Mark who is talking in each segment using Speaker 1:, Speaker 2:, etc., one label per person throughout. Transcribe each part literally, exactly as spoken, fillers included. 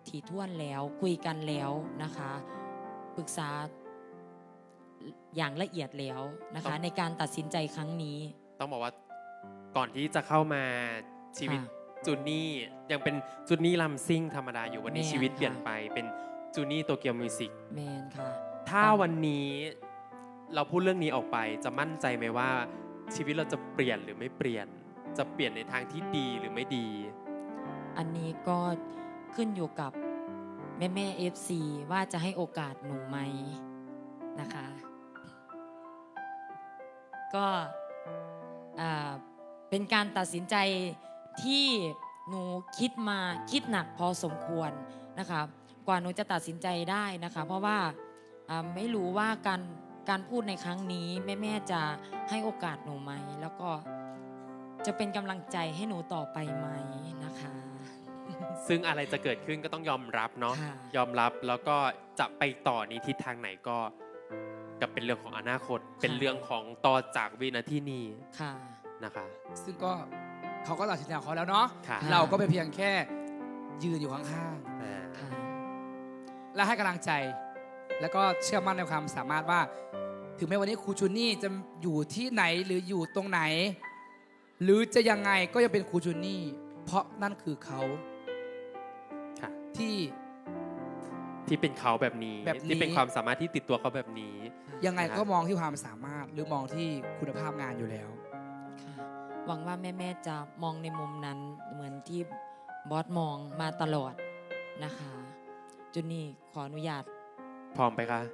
Speaker 1: ถี่ถ้วนแล้วคุยกันแล้วนะคะปรึกษาอย่างละเอียดแล้วนะคะในการตัดสินใจครั้งนี้
Speaker 2: ต้องบอกว่าก่อนที่จะเข้ามาชีวิตจูนี่ยังเป็นจูนี่ลัมซิ่งธรรมดาอยู่วันนี้ชีวิตเปลี่ยนไปเป็นจูนี่โตเกียวมิวสิก
Speaker 1: แมนค่ะ
Speaker 2: ถ้าวันนี้เราพูดเรื่องนี้ออกไปจะมั่นใจไหมว่าชีวิตเราจะเปลี่ยนหรือไม่เปลี่ยนจะเปลี่ยนในทางที่ดีหรือไม่ดี
Speaker 1: อันนี้ก็ขึ้นอยู่กับแม่แม่ เอฟ ซี ว่าจะให้โอกาสหนูไหมนะคะก็เป็นการตัดสินใจที่หนูคิดมาคิดหนักพอสมควรนะคะกว่าหนูจะตัดสินใจได้นะคะเพราะว่าไม่รู้ว่าการการพูดในครั้งนี้แม่แม่จะให้โอกาสหนูไหมแล้วก็จะเป็นกำลังใจให้หนูต่อไปไหมนะคะ
Speaker 2: ซึ่งอะไรจะเกิดขึ้นก็ต้องยอมรับเนาะยอมรับแล้วก็จะไปต่อในทิศทางไหนก็กับเป็นเรื่องของอนาคตเป็นเรื่องของต่อจากวินาทีนี้นะคะ
Speaker 3: ซึ่งก็เขาก็ตัดสินใจของเขาแล้วเนาะเราก็ไปเพียงแค่ยืนอยู่ข้างๆและให้กำลังใจแล้วก็เชื่อมั่นในความสามารถว่าถึงแม้วันนี้ครูจูนี่จะอยู่ที่ไหนหรืออยู่ตรงไหนหรือจะยังไงก็ยังเป็นครูจูนี่เพราะนั่นคือเขาที่
Speaker 2: ที่เป็นเขาแบบนี้ที่เป็นความสามารถที่ติดตัวเขาแบบนี้
Speaker 3: ยังไงก็มองที่ความสามารถหรือมองที่คุณภาพงานอยู่แล้ว
Speaker 1: หวังว่าแม่ๆจะมองในมุมนั้นเหมือนที่บอสมองมาตลอดนะคะจูนี่ขออนุญาต
Speaker 2: พร้อมไปคะ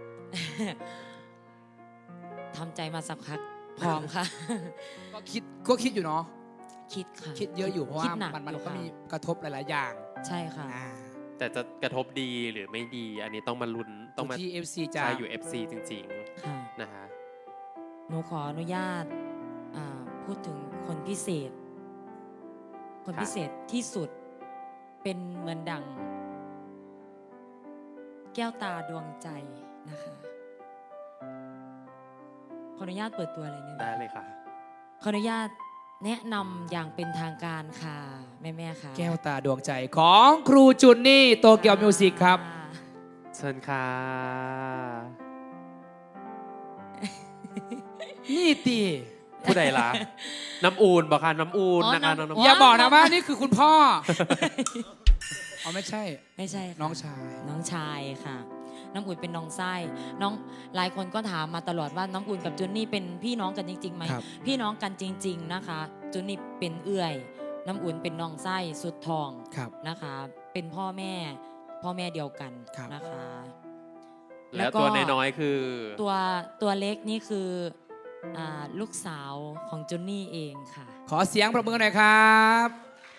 Speaker 1: ทำใจมาสักพักพร้อมค่ะ
Speaker 3: ก็คิดก็คิดอยู่เนาะ
Speaker 1: คิดค่ะ
Speaker 3: คิดเยอะอยู่เพราะว่ามันมันก็มีกระทบหลายๆอย่าง
Speaker 1: ใช่ค่ะ
Speaker 2: แต่จะกระทบดีหรือไม่ดีอันนี้ต้องมาลุ้นต้องมา
Speaker 3: ที่ เอฟ ซี จะ
Speaker 2: อยู่ เอฟ ซี จริงๆนะคะ
Speaker 1: หนูขออนุญาตพูดถึงคนพิเศษคนพิเศษที่สุดเป็นเหมือนดังแก้วตาดวงใจนะคะขออนุญาตเปิดตัวอะไรเนี่ย
Speaker 2: ได้เลยค่ะ
Speaker 1: ขออนุญาตแนะนำอย่างเป็นทางการค่ะแม่ๆค่ะ
Speaker 3: แก้วตาดวงใจของครูจุนนี่โตเกียวมิวสิกครับ
Speaker 2: เชิญค่ะ
Speaker 3: นี่ตี
Speaker 2: ผู้ใดล่ะน้ำอูนบอกค่ะน้ำอูนนะคะน้
Speaker 3: องอย่าบอกนะว่านี่คือคุณพ่อเอาไม่ใช่
Speaker 1: ไม่ใช่
Speaker 3: น้องชาย
Speaker 1: น้องชายค่ะน้ำอุ่นเป็นน้องไส้น้องหลายคนก็ถามมาตลอดว่าน้ำอุ่นกับจุนนี่เป็นพี่น้องกันจริงๆไหมพี่น้องกันจริงๆนะคะจุนนี่เป็นเอื้อยน้ำอุ่นเป็นน้องไส้สุดทองนะคะเป็นพ่อแม่พ่อแม่เดียวกันนะคะ
Speaker 2: แล้วตัวน้อยๆคือ
Speaker 1: ตัวตัวเล็กนี่คือลูกสาวของจุนนี่เองค่ะ
Speaker 3: ขอเสียงปรบมือหน่อยครับ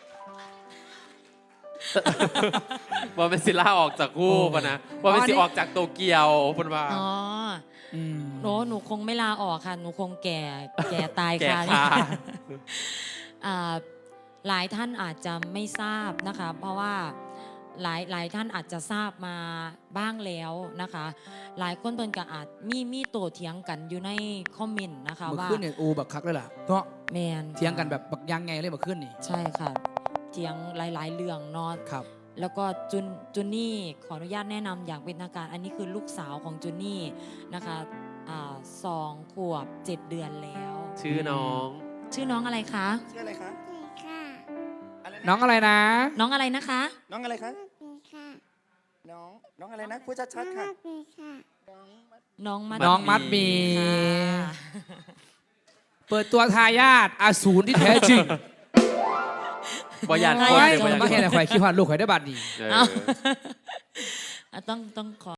Speaker 2: ว่าเป็นศิลาออกจากคู่ปะนะว่าเป็นศิออกจากโตเกียวปะว่า
Speaker 1: อ๋อหนูหนูคงไม่ลาออกค่ะหนูคงแก่แก่ตายค่ะหลายท่านอาจจะไม่ทราบนะคะเพราะว่าหลายหลายท่านอาจจะทราบมาบ้างแล้วนะคะหลายคนเพิ่นก็อาจมีมีโตเถียงกันอยู่ในคอมเมนต์นะคะว่า
Speaker 3: เมื่อคืนเนี่ยอูบักคักเลยล่ะเนาะ
Speaker 1: แมน
Speaker 3: เถียงกันแบบบักยังไงเลยเมื่อคืนนี่
Speaker 1: ใช่ค่ะเถียงหลายๆเรื่องเนาะ
Speaker 3: ครับ
Speaker 1: แล้วก็จุนจุนนี่ขออนุญาตแนะนำอย่างเป็นทางการอันนี้คือลูกสาวของจุนนี่นะคะอ่าสองขวบเจ็ดเดือนแล้ว
Speaker 2: ชื่อน้อง
Speaker 1: ชื่อน้องอะไรคะ
Speaker 4: ชื่ออะไรคะ
Speaker 3: น้องอะไรนะ
Speaker 1: น้องอะไรนะคะ
Speaker 4: น้องอะไรคะน้องน้องอะไรนะพูดชัดๆค่ะ
Speaker 1: น้องมัด
Speaker 3: น้องมัดมีเปิดตัวทายาทอสูรที่แท้จริง
Speaker 2: บอยาน
Speaker 3: คนเลยบอยานคนคิดว่าลูกใครได้บัตรดี
Speaker 1: ต้องต้องขอ